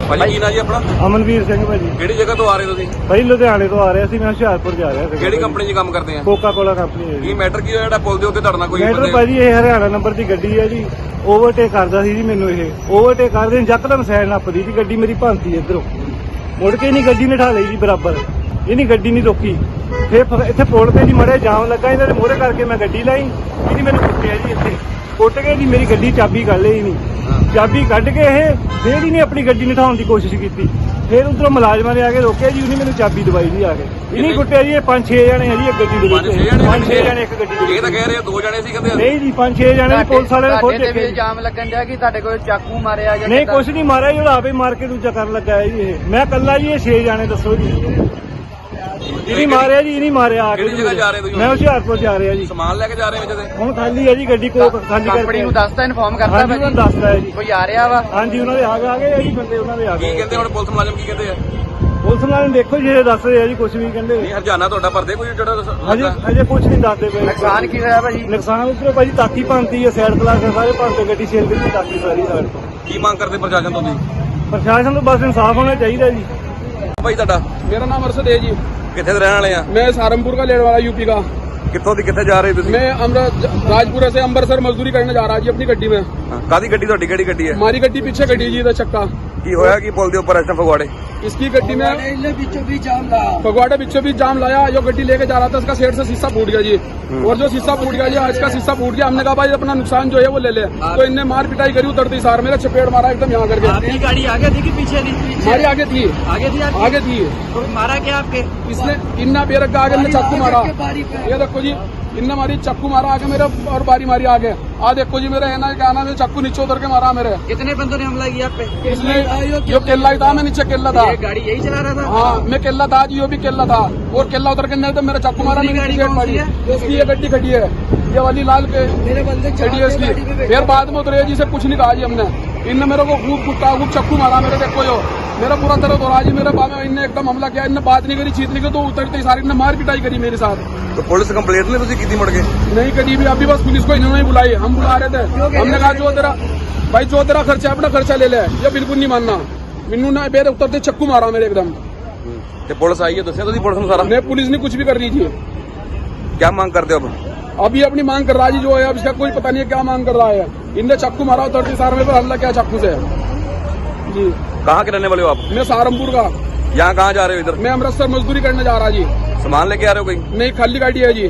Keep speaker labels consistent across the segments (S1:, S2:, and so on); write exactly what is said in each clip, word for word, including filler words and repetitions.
S1: ਭਾਜੀ ਕੀ ਨਾਂ ਜੀ ਆਪਣਾ?
S2: ਅਮਨਵੀਰ ਸਿੰਘ ਭਾਜੀ।
S1: ਕਿਹੜੀ ਜਗ੍ਹਾ ਤੋਂ ਆ ਰਹੇ ਤੁਸੀਂ?
S2: ਭਾਈ ਲੁਧਿਆਣੇ ਤੋਂ ਆ ਰਿਹਾ ਸੀ, ਮੈਂ ਹੁਸ਼ਿਆਰਪੁਰ ਜਾ ਰਿਹਾ ਸੀ।
S1: ਕਿਹੜੀ ਕੰਪਨੀ 'ਚ ਕੰਮ ਕਰਦੇ ਆ?
S2: ਕੋਕਾ ਕੋਲਾ ਕੰਪਨੀ ਹੈ
S1: ਕੀ
S2: ਜੀ।
S1: ਮੈਟਰ ਕੀ ਹੋਇਆ ਜਿਹੜਾ ਪੁਲ ਦੇ ਉੱਤੇ ਤੁਹਾਡੇ ਨਾਲ ਕੋਈ
S2: ਮੈਟਰ
S1: ਬੰਦੇ
S2: ਭਾਜੀ ਇਹ ਹਰਿਆਣਾ ਨੰਬਰ ਦੀ ਗੱਡੀ ਹੈ ਜੀ। ਓਵਰਟੇਕ ਕਰਦਾ ਸੀ ਜੀ ਮੈਨੂੰ। ਇਹ ਓਵਰਟੇਕ ਕਰਦੇ ਯਕਦਮ ਸਾਈਡ ਨੱਪਦੀ ਸੀ ਗੱਡੀ, ਮੇਰੀ ਭੰਤੀ ਇੱਧਰੋਂ ਮੁੜ ਕੇ ਨਹੀਂ ਗੱਡੀ ਨੇ ਠਾ ਲਈ ਜੀ ਬਰਾਬਰ। ਇਹਨੀ ਗੱਡੀ ਨਹੀਂ ਰੋਕੀ। ਫਿਰ ਫ- ਇੱਥੇ ਪੁਲ ਤੇ ਜੀ ਮੜੇ ਜਾਮ ਲੱਗਾ, ਇਹਨਾਂ ਦੇ ਮੋਹਰੇ ਕਰਕੇ ਮੈਂ ਗੱਡੀ ਲਾਈ। ਇਹਦੀ ਮੈਨੂੰ ਕੁੱਟਿਆ ਜੀ, ਇੱਥੇ ਕੁੱਟ ਕੇ ਜੀ ਮੇਰੀ ਗੱਡੀ ਚਾਬੀ ਕੱਢ ਲਈ ਨਹੀਂ। ਚਾਬੀ ਕੱਢ ਕੇ ਇਹ ਫੇਰ ਹੀ ਨਹੀਂ ਆਪਣੀ ਗੱਡੀ ਨਿਠਾਉਣ ਦੀ ਕੋਸ਼ਿਸ਼ ਕੀਤੀ। ਫਿਰ ਉਧਰੋਂ ਮੁਲਾਜ਼ਮਾਂ ਨੇ ਆ ਕੇ ਰੋਕਿਆ ਜੀ, ਉਹਨੇ ਮੈਨੂੰ ਚਾਬੀ ਦਵਾਈ ਜੀ ਆ ਕੇ। ਇਹਨੇ ਕੁੱਟਿਆ ਜੀ। ਇਹ ਪੰਜ ਛੇ ਜਣੇ ਹੈ ਜੀ ਇੱਕ ਗੱਡੀ ਦੇ ਵਿੱਚ।
S1: ਪੰਜ ਛੇ ਜਣੇ
S2: ਪੰਜ ਛੇ ਜਣੇ ਇੱਕ ਗੱਡੀ ਦੇ
S1: ਇਹ ਤਾਂ
S2: ਵਿੱਚ।
S1: ਕਹਿ ਰਹੇ ਆ ਦੋ ਜਣੇ ਸੀ ਕਹਿੰਦੇ।
S2: ਨਹੀਂ ਜੀ ਪੰਜ ਛੇ ਜਣੇ ਪੁਲਿਸ ਵਾਲੇ ਨੇ ਖੁਦ
S3: ਤੁਹਾਡੇ ਤੇ
S2: ਦੇਖੇ
S3: ਵੀ
S2: ਜੀ।
S3: ਇਲਜ਼ਾਮ ਲੱਗਣ ਡਿਆ ਕਿ ਤੁਹਾਡੇ ਕੋਲ ਚਾਕੂ ਮਾਰਿਆ ਜਾਂ
S2: ਨਹੀਂ
S3: ਕਿੱਦਾਂ?
S2: ਕੁਛ ਨਹੀਂ ਮਾਰਿਆ ਜੀ, ਉਹਦਾ ਆਪੇ ਮਾਰ ਕੇ ਦੂਜਾ ਕਰਨ ਲੱਗਾ ਹੈ ਜੀ। ਇਹ ਮੈਂ ਕੱਲਾ ਜੀ, ਇਹ ਛੇ ਜਾਣੇ ਦੱਸੋ ਜੀ। ਇਹਨੀ ਮਾਰਿਆ ਜੀ, ਇਹਨੀ ਮਾਰਿਆ ਆ ਕੇ।
S1: ਕਿਹੜੀ ਜਗ੍ਹਾ ਜਾ ਰਹੇ ਤੁਸੀਂ?
S2: ਮੈਂ ਹੁਸ਼ਿਆਰਪੁਰ ਜਾ ਰਿਹਾ ਜੀ।
S1: ਸਮਾਨ ਲੈ ਕੇ ਜਾ ਰਹੇ ਵਿੱਚ ਤੇ
S2: ਹੁਣ ਖਾਲੀ ਹੈ ਜੀ ਗੱਡੀ, ਕੋਕ ਖਾਲੀ ਕਰਕੇ।
S3: ਕੰਪਨੀ ਨੂੰ ਦੱਸਦਾ ਇਨਫੋਰਮ ਕਰਦਾ
S2: ਹਾਂਜੀ ਉਹਨਾਂ ਨੂੰ ਦੱਸਦਾ ਹੈ ਜੀ।
S3: ਕੋਈ ਆ ਰਿਹਾ ਵਾ?
S2: ਹਾਂਜੀ ਉਹਨਾਂ ਦੇ ਆ ਗਏ ਆ ਗਏ ਆ ਜੀ ਬੰਦੇ, ਉਹਨਾਂ ਦੇ ਆ
S1: ਕੀ
S2: ਗਏ।
S1: ਕਹਿੰਦੇ ਹੁਣ ਪੁਲਿਸ ਮੁਲਾਜ਼ਮ ਕੀ ਕਹਿੰਦੇ ਆ?
S2: ਪੁਲਿਸ ਵਾਲੇ ਨੂੰ ਦੇਖੋ ਜੀ, ਇਹ ਦੱਸ ਰਹੇ ਆ ਜੀ, ਕੁਛ ਵੀ ਕਹਿੰਦੇ।
S1: ਨਹੀਂ ਹਰਜਾਨਾ ਤੁਹਾਡਾ ਭਰਦੇ ਕੋਈ ਜਿਹੜਾ
S2: ਹਜੇ ਹਜੇ ਕੁਛ ਨਹੀਂ ਦੱਸਦੇ ਪਏ।
S3: ਨੁਕਸਾਨ ਕੀ ਹੋਇਆ ਭਾਜੀ?
S2: ਨੁਕਸਾਨ ਉਧਰੋਂ ਭਾਜੀ ਤਾਕੀ ਭੰਨਤੀ ਹੈ, ਸਾਈਡ ਕਲਾਸ ਸਾਰੇ ਭੰਨਤੇ, ਗੱਡੀ ਛੇਲ ਦਿੱਤੀ ਤਾਕੀ ਸਾਰੀ ਸਾਈਡ ਤੋਂ।
S1: ਕੀ ਮੰਗ ਕਰਦੇ ਪ੍ਰਸ਼ਾਸਨ ਤੋਂ ਤੁਸੀਂ?
S2: ਪ੍ਰਸ਼ਾਸਨ ਤੋਂ ਬਸ ਇਨਸਾਫ ਹੋਣਾ ਚਾਹੀਦਾ ਜੀ।
S1: ਭਾਈ ਤੁਹਾਡਾ
S4: मेरा नाम अरशद है जी।
S1: ਕਿੱਥੇ ਦੇ ਰਹਿਣ ਵਾਲੇ ਆ?
S4: मैं सहारनपुर का लेने वाला यूपी का।
S1: ਕਿੱਥੋਂ ਦੀ ਕਿੱਥੇ ਜਾ ਰਹੇ ਤੁਸੀਂ?
S4: मैं अमृत राजपुरा से अम्बरसर मजदूरी करने जा रहा जी अपनी गड्डी में।
S1: ਹਾਂ, ਕਾਹਦੀ ਗੱਡੀ ਤੁਹਾਡੀ? ਕਿਹੜੀ ਗੱਡੀ ਹੈ?
S4: हमारी गड्डी पीछे खड़ी है जी, इधर चक्का।
S1: ਕੀ ਹੋਇਆ ਕੀ ਪੁਲ ਦੇ ਉੱਪਰ ਇਸ ਟਾਈਮ ਫਗਵਾੜੇ?
S4: इसकी गड्डी में फगवाड़े बीचों बीच जाम लाया। जो गड्डी लेके जा रहा था उसका साइड से शीशा फूट गया जी। और जो शीशा फूट गया जी, आज का शीशा फूट गया। हमने कहा भाई अपना नुकसान जो है वो ले ले। तो इनने मार पिटाई करी उतरती सार, मेरा चपेट मारा एकदम यहाँ करके।
S3: आपकी गाड़ी आगे थी कि पीछे थी?
S4: हमारी आगे थी,
S3: आगे थी आपकी?
S4: आगे थी।
S3: तो मारा क्या आपके?
S4: इसने इन्ना बेरक का आगे में चाकू मारा। ये देखो जी, इनने मारी चाकू मारा आगे मेरे, और बारी मारी आगे। आ देखो जी मेरे है ना, क्या नाम है, चाकू नीचे उतर के मारा मेरे।
S3: कितने बंदों ने हमला किया आप पे?
S4: इसने जो केला ही था, मैं नीचे केला था।
S3: ये गाड़ी यही चला रहा था?
S4: हाँ मैं केला था जी, वो भी केला था। और केला उतर के नहीं तो मेरा चाकू मारा। मेरी
S3: गाड़ी
S4: गाड़ी
S3: कौन सी है?
S4: इसकी ये गड्डी खड़ी है, ये वाली लाल के खड़ी है इसकी। फिर बाद में उतरे जी से कुछ नहीं कहा जी हमने। इनने मेरे को खूब कुत्ता खूब चाकू मारा मेरे। देखो जो मेरा पूरा दर्द हो रहा जी मेरे बाबा। इनने एकदम हमला किया, इनने बात नहीं करी, चीत नहीं की, तो उतरते ही सारी इनने मार पिटाई करी मेरे साथ।
S1: तो पुलिस कंप्लेंट नहीं तुझे की मुड़ के?
S4: नहीं करी भी, अभी बस पुलिस को इन्होंने ही बुलाई। हम बुला रहे थे, हमने कहा जो तेरा भाई जो तेरा खर्चा है अपना खर्चा ले ले। ये बिल्कुल नहीं मानना। मिन्नू ने बेरे उतरते चक्कू मारा मेरे एकदम।
S1: ਤੇ ਪੁਲਿਸ ਆਈ ਹੈ, ਦੱਸਿਆ ਤੁਸੀਂ ਪੁਲਿਸ ਨੂੰ ਸਾਰਾ?
S4: नहीं पुलिस ने कुछ भी कर ली थी।
S1: क्या मांग करते हो अब?
S4: अभी अपनी मांग कर रहा है जी, जो है अब इसका कोई पता नहीं है क्या मांग कर रहा है। इनने चाकू मारा उतरते सार में, पर हमला किया चाकू से जी।
S1: कहाँ के रहने वाले हो आप?
S4: मैं सहारनपुर का।
S1: यहाँ कहाँ जा रहे हो? इधर
S4: मैं अमृतसर मजदूरी करने जा रहा जी।
S1: सामान लेके आ रहे हो कोई?
S4: नहीं खाली गाड़ी है जी।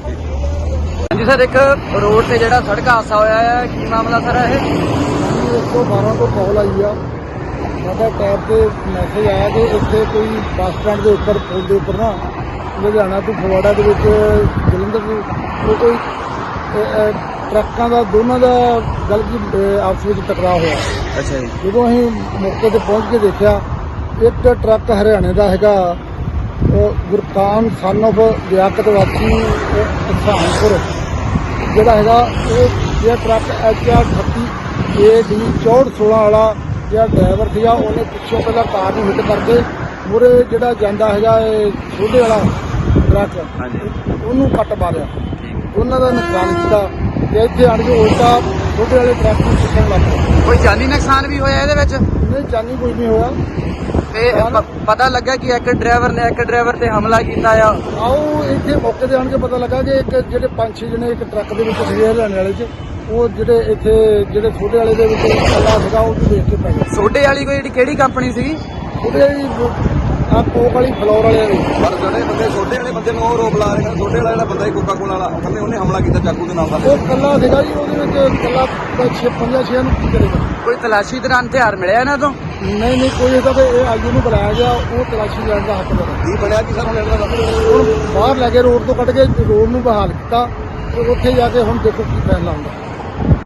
S3: जी सर, एक रोड से ਜਿਹੜਾ ਸੜਕ ਹਾਦਸਾ ਹੋਇਆ ਹੈ, ਕੀ ਮਾਮਲਾ ਸਰ ਇਹ?
S2: ਇੱਕ ਸੌ ਬਾਰਾਂ ਤੋਂ ਕਾਲ ਆਈ ਆ। ਸਾਡਾ ਟੈਬ ਤੇ ਮੈਸੇਜ ਆਇਆ ਕਿ ਇੱਥੇ ਕੋਈ ਬੱਸ ਸਟੈਂਡ ਦੇ ਉੱਪਰ ਪੁਲ ਦੇ ਉੱਪਰ ਨਾ ਲੁਧਿਆਣਾ ਤੋਂ ਫਗਵਾੜਾ ਦੇ ਵਿੱਚ ਜਲੰਧਰ ਨੂੰ ਉਹ ਕੋਈ ਅ, ਅ, ਟਰੱਕਾਂ ਦਾ ਦੋਨਾਂ ਦਾ ਗੱਲ ਕੀ ਆਪਸ ਵਿੱਚ ਟਕਰਾਅ ਹੋਇਆ।
S1: अच्छा जी।
S2: ਜਦੋਂ ਅਸੀਂ ਮੌਕੇ ਤੇ ਪਹੁੰਚ ਕੇ ਦੇਖਿਆ, ਇੱਕ ਟਰੱਕ ਹਰਿਆਣੇ ਦਾ ਹੈਗਾ, ਉਹ ਗੁਰਕਾਨ ਸਨ ਆਫ ਲਿਆਕਤ ਵਾਸੀ ਸਹਾਰਨਪੁਰ ਜਿਹੜਾ ਹੈਗਾ, ਉਹ ਇਹ ਟਰੱਕ ਐਚ ਆਰ ਅਠੱਤੀ ਏ ਡੀ ਚੌਂਹਠ ਸੋਲਾਂ ਵਾਲਾ ਜਿਹੜਾ ਡਰਾਈਵਰ ਸੀਗਾ, ਉਹਨੇ ਪਿੱਛੋਂ ਪਹਿਲਾਂ ਕਾਰ ਨੂੰ ਹਿੱਟ ਕਰਕੇ ਮੂਹਰੇ ਜਿਹੜਾ ਜਾਂਦਾ ਹੈਗਾ ਇਹ ਛੋਟੇ ਵਾਲਾ ਟਰੱਕ, ਉਹਨੂੰ ਕੱਟ ਮਾਰਿਆ। ਉਹਨਾਂ ਦਾ ਨੁਕਸਾਨ ਕੀਤਾ ਤੇ ਇੱਥੇ ਆਣ ਕੇ ਉਲਟਾ ਛੋਟੇ ਵਾਲੇ ਟਰੱਕ ਨੂੰ ਚੁੱਕਣ ਲੱਗ ਪਿਆ।
S3: ਕੋਈ ਜਾਨੀ ਨੁਕਸਾਨ ਵੀ ਹੋਇਆ ਇਹਦੇ ਵਿੱਚ?
S2: ਨਹੀਂ ਜਾਨੀ ਕੋਈ ਨਹੀਂ ਹੋਇਆ।
S3: ਤੇ ਪ- ਪਤਾ ਲੱਗਾ ਕਿ ਇੱਕ ਡਰਾਈਵਰ ਨੇ ਇੱਕ ਡਰਾਈਵਰ ਤੇ ਹਮਲਾ ਕੀਤਾ ਆ।
S2: ਆਓ ਇੱਥੇ ਮੌਕੇ ਤੇ ਆਣ ਕੇ ਪਤਾ ਲੱਗਾ ਕਿ ਇੱਕ ਜਿਹੜੇ ਪੰਜ ਛੇ ਜਣੇ ਇੱਕ ਟਰੱਕ ਦੇ ਵਿੱਚ ਸੀਗੇ ਹਰਿਆਣੇ ਵਾਲੇ 'ਚ, ਉਹ ਜਿਹੜੇ ਇੱਥੇ ਜਿਹੜੇ ਛੋਟੇ ਵਾਲੇ ਦੇ ਵਿੱਚ ਇਕੱਲਾ ਸੀਗਾ, ਉਹ ਦੇਖ ਕੇ ਪੈ ਗਿਆ।
S3: ਛੋਟੇ ਵਾਲੀ ਕੋਈ ਜਿਹੜੀ ਕਿਹੜੀ ਕੰਪਨੀ ਸੀਗੀ?
S2: ਉਹਦੇ ਆ ਕੋਕ ਵਾਲੀ ਫਲੋਰ ਵਾਲੇ ਨੇ।
S1: ਪਰ ਜਿਹੜੇ ਬੰਦੇ ਛੋਟੇ ਵਾਲੇ ਬੰਦੇ ਨੂੰ ਉਹ ਰੋਕ ਲਾ ਰਹੇ ਨੇ, ਛੋਟੇ ਵਾਲਾ ਜਿਹੜਾ ਬੰਦਾ ਕੋਕਾ ਕੋਲਾ ਵਾਲਾ, ਕਹਿੰਦੇ ਉਹਨੇ ਹਮਲਾ ਕੀਤਾ ਚਾਕੂ ਦੇ ਨਾਲ ਦਾ।
S2: ਉਹ ਇਕੱਲਾ ਸੀਗਾ ਜੀ, ਉਹਦੇ ਵਿੱਚ ਇਕੱਲਾ ਛੇ ਪੰਜਾਂ ਛੇ ਨੂੰ ਕੀ ਕਰੇਗਾ।
S3: ਕੋਈ ਤਲਾਸ਼ੀ ਦੌਰਾਨ ਹਥਿਆਰ ਮਿਲਿਆ ਇਹਨਾਂ ਤੋਂ?
S2: ਨਹੀਂ ਨਹੀਂ ਕੋਈ ਇਹਦਾ ਤੇ ਇਹ ਆਈਓ ਨੂੰ ਬੁਲਾਇਆ ਗਿਆ, ਉਹ ਤਲਾਸ਼ੀ ਲੈਣ ਦਾ ਹੱਕ ਦੇਣਾ।
S1: ਕੀ ਬਣਿਆ ਕੀ ਸਰ ਹੁਣ ਇਹਦਾ?
S2: ਹੁਣ ਬਾਹਰ ਲੈ ਕੇ ਰੋਡ ਤੋਂ ਕੱਢ ਕੇ ਰੋਡ ਨੂੰ ਬਹਾਲ ਕੀਤਾ, ਤੇ ਉੱਥੇ ਜਾ ਕੇ ਹੁਣ ਦੇਖੋ ਕੀ ਫੈਸਲਾ ਹੁੰਦਾ।